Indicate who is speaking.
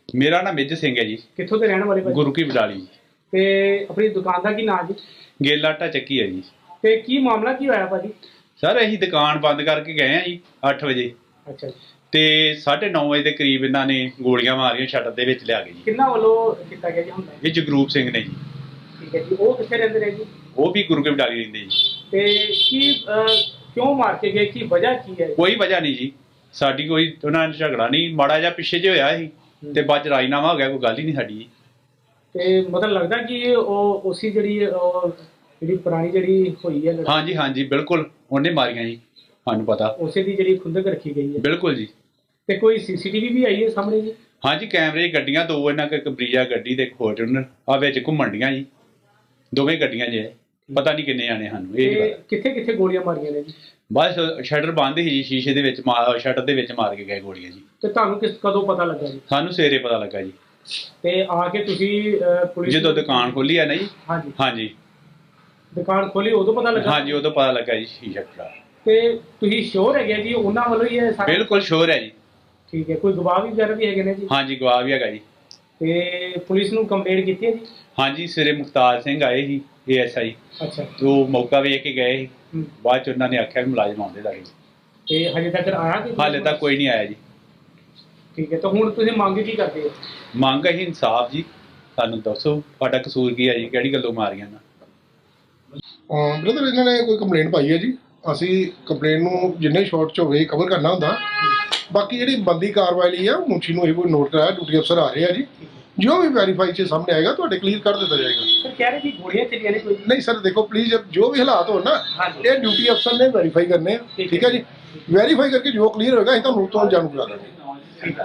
Speaker 1: ਮੇਰਾ ਨਾਮ ਮੇਜਰ ਸਿੰਘ ਹੈ ਜੀ।
Speaker 2: ਕਿੱਥੋਂ ਦੇ ਰਹਿਣ ਵਾਲੇ ਭਾਜੀ?
Speaker 1: ਗੁਰੂ ਕੀ ਬਡਾਲੀ।
Speaker 2: ਤੇ ਆਪਣੀ ਦੁਕਾਨ ਦਾ ਕੀ ਨਾਮ ਜੀ?
Speaker 1: ਗੇਲਾ ਆਟਾ ਚੱਕੀ ਹੈ ਜੀ।
Speaker 2: ਤੇ ਕੀ ਮਾਮਲਾ ਕੀ ਹੋਇਆ ਭਾਜੀ?
Speaker 1: ਸਰ ਅਸੀਂ ਦੁਕਾਨ ਬੰਦ ਕਰਕੇ ਗਏ ਆ ਜੀ 8 ਵਜੇ
Speaker 2: ਅੱਛਾ ਜੀ।
Speaker 1: ਤੇ 9:30 ਵਜੇ ਦੇ ਕਰੀਬ ਇਹਨਾਂ ਨੇ ਗੋਲੀਆਂ ਮਾਰੀਆਂ ਸ਼ਟਰ ਦੇ ਵਿੱਚ ਲਿਆ ਕੇ ਜੀ।
Speaker 2: ਕਿੰਨਾ ਵੱਲੋਂ ਕੀਤਾ ਗਿਆ ਜੀ ਹੁੰਦਾ?
Speaker 1: ਇਹ ਜਗਰੂਪ ਸਿੰਘ ਨੇ ਜੀ।
Speaker 2: ਠੀਕ ਹੈ ਜੀ। ਉਹ ਕਿੱਥੇ ਰਹਿੰਦੇ ਨੇ ਜੀ?
Speaker 1: ਉਹ ਵੀ ਗੁਰੂ ਕੀ ਬਡਾਲੀ ਰਹਿੰਦੇ ਜੀ।
Speaker 2: ਤੇ ਕੀ ਕਿਉਂ ਮਾਰ ਕੇ ਗਏ? ਕੀ ਵਜ੍ਹਾ ਕੀ ਹੈ?
Speaker 1: ਕੋਈ ਵਜ੍ਹਾ ਨਹੀਂ ਜੀ, ਸਾਡੀ ਕੋਈ ਉਹਨਾਂ ਨਾਲ ਝਗੜਾ ਨਹੀਂ, ਮਾੜਾ ਜਿਹਾ ਪਿੱਛੇ ਜੇ ਹੋਇਆ ਸੀ ਤੇ ਬਾਅਦ ਚ ਰਾਜੀਨਾਮਾ ਹੋ ਗਿਆ, ਕੋਈ ਗੱਲ ਹੀ ਨਹੀਂ ਸਾਡੀ।
Speaker 2: ਤੇ ਮਤਲਬ ਲੱਗਦਾ ਕਿ ਉਹ ਉਸੀ ਜਿਹੜੀ ਪੁਰਾਣੀ ਜਿਹੜੀ ਹੋਈ ਹੈ ਲੜਾਈ,
Speaker 1: ਹਾਂਜੀ ਹਾਂਜੀ ਬਿਲਕੁਲ ਉਹਨੇ ਮਾਰੀਆਂ ਜੀ, ਸਾਨੂੰ ਪਤਾ।
Speaker 2: ਉਸੇ ਦੀ ਜਿਹੜੀ ਖੁੰਦਕ ਰੱਖੀ ਗਈ ਹੈ।
Speaker 1: ਬਿਲਕੁਲ ਜੀ।
Speaker 2: ਤੇ ਕੋਈ ਸੀਸੀਟੀਵੀ ਵੀ ਆਈ ਹੈ ਸਾਹਮਣੇ ਜੀ?
Speaker 1: ਹਾਂਜੀ ਕੈਮਰੇ 'ਚ ਗੱਡੀਆਂ ਦੋ, ਇਹਨਾਂ ਕੋਲ ਇੱਕ ਬਰੀਜਾ ਗੱਡੀ ਤੇ ਇੱਕ ਫੋਰਚੂਨਰ ਆ ਵਿੱਚ ਘੁੰਮਣ ਡੀਆਂ ਜੀ, ਦੋਵੇਂ ਗੱਡੀਆਂ ਜੇ ਪਤਾ ਨਹੀਂ ਕਿੰਨੇ ਜਾਣੇ ਸਾਨੂੰ ਇਹ ਨਹੀਂ ਪਤਾ।
Speaker 2: ਕਿੱਥੇ ਕਿੱਥੇ ਗੋਲੀਆਂ ਮਾਰੀਆਂ ਨੇ ਜੀ?
Speaker 1: ਬਸ ਸ਼ਟਰ ਬੰਦ ਸੀ ਜੀ, ਸ਼ੀਸ਼ੇ ਦੇ ਵਿੱਚ ਸ਼ਟਰ ਦੇ ਵਿੱਚ ਮਾਰ ਕੇ ਗਏ ਗੋਲੀਆਂ ਜੀ।
Speaker 2: ਤੇ ਤੁਹਾਨੂੰ ਕਦੋਂ ਪਤਾ ਲੱਗਾ ਜੀ?
Speaker 1: ਸਾਨੂੰ ਸਵੇਰੇ ਪਤਾ ਲੱਗਾ ਜੀ,
Speaker 2: ਤੇ ਆ ਕੇ ਤੁਸੀਂ ਪੁਲਿਸ
Speaker 1: ਜਦੋਂ ਦੁਕਾਨ ਖੋਲੀ ਆ ਨਾ ਜੀ।
Speaker 2: ਹਾਂਜੀ
Speaker 1: ਹਾਂਜੀ
Speaker 2: ਦੁਕਾਨ ਖੋਲੀ ਉਦੋਂ ਪਤਾ ਲੱਗਾ?
Speaker 1: ਹਾਂਜੀ ਉਦੋਂ ਪਤਾ ਲੱਗਾ ਜੀ ਸ਼ੀਸ਼ਾ ਟੁੱਟਾ।
Speaker 2: ਤੇ ਤੁਸੀਂ ਸ਼ੋਰ ਹੈਗੇ ਜੀ ਉਹਨਾਂ ਵੱਲੋਂ ਹੀ ਹੈ ਸਾਰਾ?
Speaker 1: ਬਿਲਕੁਲ ਸ਼ੋਰ ਹੈ ਜੀ।
Speaker 2: ਠੀਕ ਹੈ। ਕੋਈ ਗਵਾਹ ਵੀ ਵਗੈਰਾ ਵੀ ਹੈਗੇ ਨੇ ਜੀ?
Speaker 1: ਹਾਂਜੀ ਗਵਾਹ ਵੀ ਹੈਗਾ ਜੀ।
Speaker 2: ਤੇ ਪੁਲਿਸ ਨੂੰ ਕੰਪਲੇਂਟ ਕੀਤੀ ਹੈ ਜੀ?
Speaker 1: ਹਾਂਜੀ ਸਵੇਰੇ ਮੁਖਤਾਰ ਸਿੰਘ ਆਏ ਸੀ ASI,
Speaker 2: ਅੱਛਾ।
Speaker 1: ਉਹ ਮੌਕਾ ਵੇਖ ਕੇ ਗਏ ਸੀ।
Speaker 2: ਹੂੰ।
Speaker 1: ਬਾਅਦ ਚ ਉਹਨਾਂ ਨੇ ਆਖਿਆ ਵੀ ਮੁਲਾਜ਼ਮ ਆਉਂਦੇ ਲੱਗੇ।
Speaker 2: ਤੇ ਹਜੇ ਤੱਕ ਆਇਆ ਕੋਈ?
Speaker 1: ਹਾਲੇ ਤੱਕ ਕੋਈ ਨਹੀਂ ਆਇਆ ਜੀ।
Speaker 2: ਠੀਕ ਹੈ। ਤਾਂ ਹੁਣ ਤੁਸੀਂ ਮੰਗ ਕੀ ਕਰਦੇ ਹੋ?
Speaker 1: ਮੰਗ ਹੈ ਇਨਸਾਫ ਜੀ, ਸਾਨੂੰ ਦੱਸੋ ਤੁਹਾਡਾ ਕਸੂਰ ਕੀ ਹੈ ਜੀ, ਕਿਹੜੀ ਗੱਲੋਂ ਮਾਰੀਆਂ ਨਾ?
Speaker 3: ਬ੍ਰਦਰ ਇਹਨਾਂ ਨੇ ਕੋਈ ਕੰਪਲੇਂਟ ਪਾਈ ਹੈ ਜੀ। ਅਸੀਂ ਕੰਪਲੇਂਟ ਨੂੰ ਜਿੰਨੇ ਸ਼ਾਰਟ ਚ ਹੋਵੇ ਕਵਰ ਕਰਨਾ ਹੁੰਦਾ। ਬਾਕੀ ਜਿਹੜੀ ਬੰਦੀ ਕਾਰਵਾਈ ਲਈ ਆ ਮੁਨਸ਼ੀ ਨੂੰ ਇਹ ਕੋਈ ਨੋਟ ਕਰਾਇਆ, ਡਿਊਟੀ ਅਫਸਰ ਆ ਰਹੇ ਆ ਜੀ। ਜੋ ਵੀ ਵੈਰੀਫਾਈ ਚ ਸਾਹਮਣੇ ਆਏਗਾ ਤੁਹਾਡੇ ਕਲੀਅਰ ਕਰ ਦਿੱਤਾ ਜਾਏਗਾ।
Speaker 2: ਸਰ ਕਹਿ ਰਹੇ ਜੀ ਗੋਲੀਆਂ ਚੱਲੀਆਂ ਨੇ ਕੋਈ?
Speaker 3: ਨਹੀਂ ਸਰ ਦੇਖੋ ਪਲੀਜ਼, ਜੋ ਵੀ ਹਾਲਾਤ ਹੋਣ ਨਾ
Speaker 2: ਹਾਂਜੀ।
Speaker 3: ਇਹ ਡਿਊਟੀ ਅਫਸਰ ਨੇ ਵੈਰੀਫਾਈ ਕਰਨੇ ਆ। ਠੀਕ ਹੈ ਜੀ। ਵੈਰੀਫਾਈ ਕਰਕੇ ਜੋ ਕਲੀਅਰ ਹੋਏਗਾ ਅਸੀਂ ਤੁਹਾਨੂੰ ਤੋਂ ਜਾਣੂ ਕਰਾ ਦਾਂਗੇ।